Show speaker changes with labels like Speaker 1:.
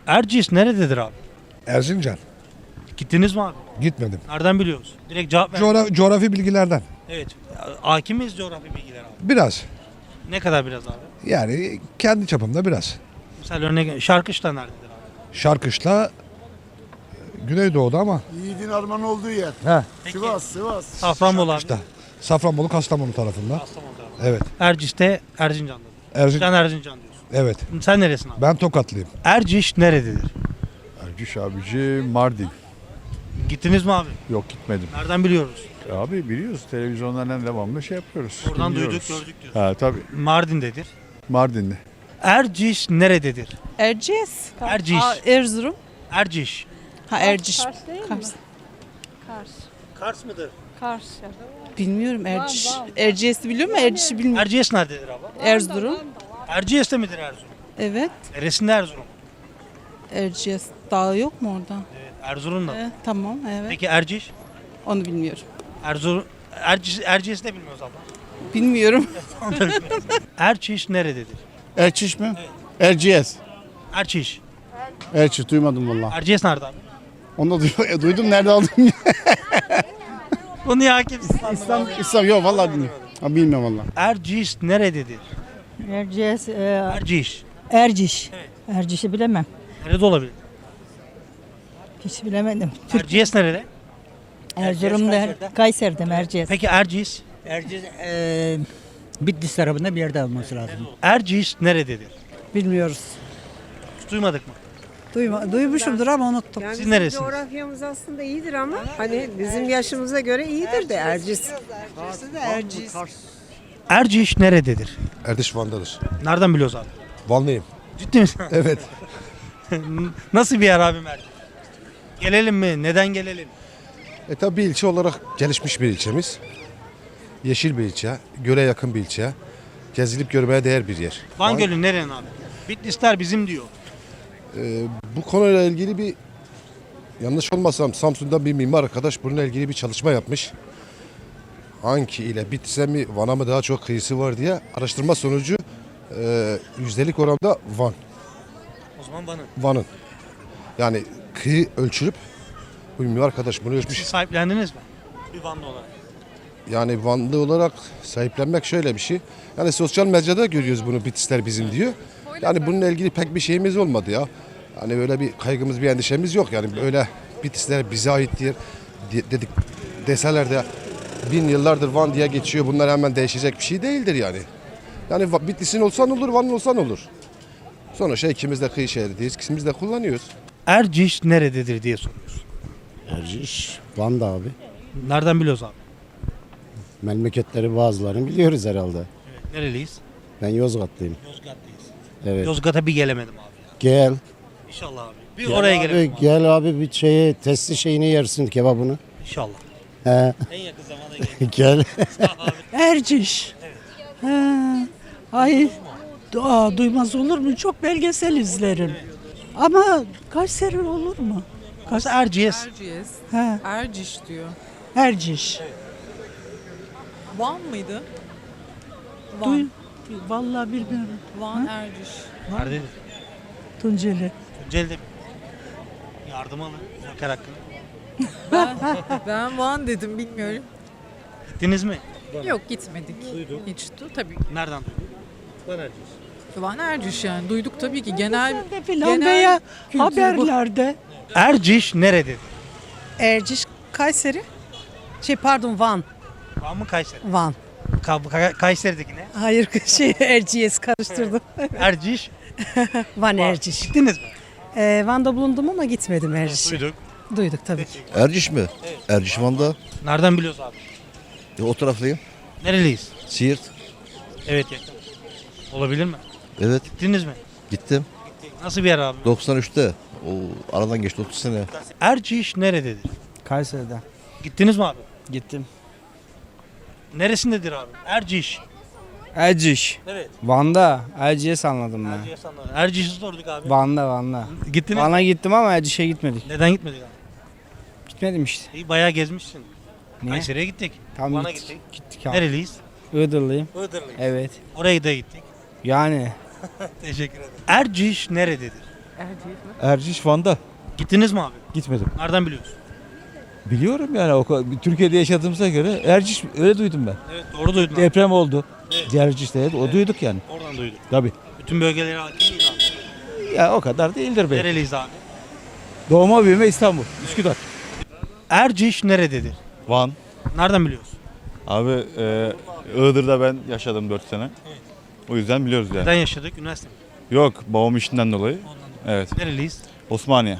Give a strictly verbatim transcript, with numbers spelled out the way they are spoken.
Speaker 1: Erciyes nerededir abi?
Speaker 2: Erzincan.
Speaker 1: Gittiniz mi abi?
Speaker 2: Gitmedim.
Speaker 1: Nereden biliyoruz? Direkt cevap ver.
Speaker 2: Coğra- coğrafi bilgilerden.
Speaker 1: Evet. Hakim miyiz coğrafi bilgiler abi?
Speaker 2: Biraz.
Speaker 1: Ne kadar biraz abi?
Speaker 2: Yani kendi çapımda biraz.
Speaker 1: Mesela örnek Şarkışla nerededir abi?
Speaker 2: Şarkışla Güneydoğu'da ama.
Speaker 3: Yiğidin armağan olduğu yer.
Speaker 2: He.
Speaker 1: Peki,
Speaker 3: Sivas, Sivas.
Speaker 1: Safranbolu abi.
Speaker 2: İşte Safranbolu Kastamonu tarafında.
Speaker 1: Kastamonu'da abi.
Speaker 2: Evet.
Speaker 1: Erciş'te Erzincan'da.
Speaker 2: Erzin
Speaker 1: Can Erzincan diyorsun.
Speaker 2: evet.
Speaker 1: Sen neresin abi?
Speaker 2: Ben Tokatlıyım.
Speaker 1: Erciş nerededir?
Speaker 4: Erciş abici Mardin.
Speaker 1: Gittiniz mi abi?
Speaker 4: Yok gitmedim.
Speaker 1: Nereden biliyoruz?
Speaker 4: Abi biliyoruz televizyonlardan devamlı şey yapıyoruz.
Speaker 1: Oradan
Speaker 4: dinliyoruz.
Speaker 1: duyduk gördük diyorsun.
Speaker 4: Ha tabii
Speaker 1: Mardin'dedir.
Speaker 4: Mardin'de.
Speaker 1: Erciş nerededir?
Speaker 5: Erciyes.
Speaker 1: Erciş.
Speaker 5: Aa, Erzurum.
Speaker 1: Erciş.
Speaker 5: Ha Erciş.
Speaker 6: Kars değil mi?
Speaker 5: Kars.
Speaker 6: Kars.
Speaker 1: Kars mıdır?
Speaker 6: Kars.
Speaker 5: Bilmiyorum Erciş. Erciyes'i biliyor musun? Erciş'i bilmiyorum.
Speaker 1: Erciyes nerededir abi?
Speaker 5: Erzurum.
Speaker 1: Erciyes'te midir Erzurum?
Speaker 5: Evet.
Speaker 1: Neresinde Erzurum?
Speaker 5: Erciyes dağı yok mu orada?
Speaker 1: Evet, Erzurum'da.
Speaker 5: Evet, tamam evet.
Speaker 1: Peki Erciş?
Speaker 5: Onu bilmiyorum.
Speaker 1: Erzurum Erciş Erciyes'i de bilmiyoruz abla.
Speaker 5: Bilmiyorum.
Speaker 1: Erciş nerededir?
Speaker 3: Erçiş mi? Erciyes.
Speaker 1: Erciş.
Speaker 3: Erçiş duymadım valla.
Speaker 1: Erciyes nerede abi?
Speaker 3: Onu da duy- e, duydum nerede aldım ya.
Speaker 1: Bu niye hakimsin?
Speaker 3: İslam, İslam yok valla bilmiyorum. Ha, bilmiyorum valla.
Speaker 1: Erciş nerededir?
Speaker 6: Erciyes, e,
Speaker 1: Erciş.
Speaker 6: Erciş. Erciş'i bilemem.
Speaker 1: Nerede olabilir?
Speaker 6: Hiç bilemedim.
Speaker 1: Erciyes nerede?
Speaker 6: Erzurum'da, Kayseri'de Erciyes.
Speaker 1: Peki Erciş?
Speaker 7: Erciş eee Bitlis tarafında bir yerde olması lazım.
Speaker 1: Erciş nerededir?
Speaker 6: Bilmiyoruz.
Speaker 1: Hiç duymadık mı?
Speaker 6: Duyma, duymuşumdur ama unuttum.
Speaker 8: Yani
Speaker 1: Siz
Speaker 8: bizim
Speaker 1: neresiniz?
Speaker 8: coğrafyamız aslında iyidir ama hani bizim yaşımıza göre iyidir de Erciş.
Speaker 1: Erciş nerededir?
Speaker 2: Erdiş Van'dadır.
Speaker 1: Nereden biliyoruz abi?
Speaker 2: Vanlıyım.
Speaker 1: Ciddi misin?
Speaker 2: Evet.
Speaker 1: Nasıl bir yer abim Erciş? Gelelim mi? Neden gelelim?
Speaker 2: E tabi bir ilçe olarak gelişmiş bir ilçemiz. Yeşil bir ilçe. Göle yakın bir ilçe. Gezilip görmeye değer bir yer.
Speaker 1: Van
Speaker 2: Van-
Speaker 1: Gölü nerenin abi? Bitlisler bizim diyor.
Speaker 2: Ee, bu konuyla ilgili bir yanlış olmasam Samsun'dan bir mimar arkadaş bununla ilgili bir çalışma yapmış. Hangi ile Bitlis'e mi Van'a mı daha çok kıyısı var diye araştırma sonucu e, yüzdelik oranda Van.
Speaker 1: O zaman bana.
Speaker 2: Van'ın. Yani kıyı ölçülüp bu mimar arkadaş bunu ölçmüş.
Speaker 1: Siz sahiplendiniz mi? Bir Vanlı olarak.
Speaker 2: Yani Vanlı olarak sahiplenmek şöyle bir şey. Yani sosyal medyada görüyoruz bunu Bitlisler bizim diyor. Yani bununla ilgili pek bir şeyimiz olmadı ya. Hani böyle bir kaygımız, bir endişemiz yok. Yani böyle Bitlisler bize ait diye dedik deseler de bin yıllardır Van diye geçiyor. Bunlar hemen değişecek bir şey değildir yani. Yani Va- Bitlis'in olsan olur, Van'ın olsan olur. Sonuçta ikimiz de kıyı şehrideyiz, ikimiz de kullanıyoruz.
Speaker 1: Erciş nerededir diye soruyoruz.
Speaker 9: Erciş, Van'da abi.
Speaker 1: Nereden biliyoruz abi?
Speaker 9: Memleketleri bazılarını biliyoruz herhalde.
Speaker 1: Evet. Nereliyiz?
Speaker 9: Ben Yozgatlıyım.
Speaker 1: Yozgat'tayız.
Speaker 9: Evet.
Speaker 1: Yozgat'a bir gelemedim abi ya.
Speaker 9: Gel.
Speaker 1: İnşallah abi. Bir
Speaker 9: Gel
Speaker 1: oraya
Speaker 9: abi,
Speaker 1: gelelim abi.
Speaker 9: Gel abi bir şeye testi şeyini yersin kebabını.
Speaker 1: İnşallah.
Speaker 9: He.
Speaker 1: En yakın zamanda gelelim.
Speaker 9: Gel.
Speaker 6: Erciş. Ha, ay, aa, duymaz olur mu? Çok belgesel izlerim. Ama Kayseri olur mu?
Speaker 1: Burası Erciyes.
Speaker 5: Erciyes.
Speaker 6: Ha,
Speaker 5: Erciş diyor.
Speaker 6: Erciş.
Speaker 5: Van mıydı?
Speaker 6: Duy, vallahi bilmiyorum.
Speaker 5: Van Erciş.
Speaker 1: Nerededir?
Speaker 6: Tunceli.
Speaker 1: Tunceli'de mi? Yardım alın. Joker hakkını.
Speaker 5: Ben Van dedim bilmiyorum.
Speaker 1: Gittiniz mi?
Speaker 5: Yok gitmedik.
Speaker 1: Duydum.
Speaker 5: Hiç du tabii.
Speaker 1: Nereden duydun? Van Erciyes.
Speaker 5: Van Erciş yani duyduk tabii ki genel
Speaker 6: Belgeselde filan
Speaker 5: genel
Speaker 6: veya
Speaker 5: kültür bu.
Speaker 6: haberlerde.
Speaker 1: Erciş nerededir?
Speaker 5: Erciş Kayseri. Şey pardon Van.
Speaker 1: Van mı Kayseri?
Speaker 5: Van.
Speaker 1: Ka- Ka- Kayseri'deki ne?
Speaker 5: Hayır şey Erciyes karıştırdım.
Speaker 1: Erciş.
Speaker 5: Van Erciş.
Speaker 1: Gittiniz mi?
Speaker 5: Ee, Van'da bulundum ama gitmedim Erciş'e.
Speaker 1: Duyduk.
Speaker 5: Duyduk tabii ki.
Speaker 10: Erciş mi? Erciş Van'da.
Speaker 1: Nereden biliyoruz abi?
Speaker 10: E, o taraftayım.
Speaker 1: Nereliyiz?
Speaker 10: Siirt.
Speaker 1: Evet yakın. Olabilir mi?
Speaker 10: Evet
Speaker 1: Gittiniz mi?
Speaker 10: gittim.
Speaker 1: Nasıl bir yer abi?
Speaker 10: doksan üçte. O aradan geçti otuz sene.
Speaker 1: Erciş nerededir?
Speaker 7: Kayseri'de.
Speaker 1: Gittiniz mi abi?
Speaker 7: Gittim.
Speaker 1: Neresindedir abi? Erciş.
Speaker 7: Erciş.
Speaker 1: Evet.
Speaker 7: Van'da. Erciyes anladım ben.
Speaker 1: Erciyes anladım. Erciş'i sorduk abi.
Speaker 7: Van'da Van'da.
Speaker 1: Gittiniz mi?
Speaker 7: Van'a gittim ama Erciş'e gitmedik.
Speaker 1: Neden gitmedik abi?
Speaker 7: Gitmedim işte.
Speaker 1: İyi, bayağı gezmişsin.
Speaker 7: Niye?
Speaker 1: Kayseri'ye gittik.
Speaker 7: Tam
Speaker 1: Van'a
Speaker 7: gittik.
Speaker 1: gittik.
Speaker 7: Gittik abi.
Speaker 1: Nereliyiz?
Speaker 7: Iğdırlıyım.
Speaker 1: Iğdırlıyız.
Speaker 7: Evet.
Speaker 1: Oraya da gittik.
Speaker 7: Yani
Speaker 1: Teşekkür ederim. Erciş nerededir?
Speaker 11: Erciş Van'da.
Speaker 1: Gittiniz mi abi?
Speaker 11: Gitmedim.
Speaker 1: Nereden biliyorsun?
Speaker 11: Biliyorum yani o kadar- Türkiye'de yaşadığımıza göre Erciş öyle duydum ben.
Speaker 1: Evet doğru duydun abi.
Speaker 11: Deprem oldu. Erciş'te evet, o duyduk yani.
Speaker 1: Oradan duydum.
Speaker 11: Tabii.
Speaker 1: Bütün bölgelere hakim miyiz abi?
Speaker 11: Ya o kadar değildir belki.
Speaker 1: Nereliyiz abi?
Speaker 11: Doğma büyüme İstanbul, Üsküdar.
Speaker 1: Erciş nerededir?
Speaker 12: Van.
Speaker 1: Nereden biliyorsun?
Speaker 12: Abi e, Iğdır'da ben yaşadım dört sene. O yüzden biliyoruz yani.
Speaker 1: Neden yaşadık? Üniversite mi?
Speaker 12: Yok babam işinden dolayı. Evet.
Speaker 1: Nereliyiz?
Speaker 12: Osmaniye.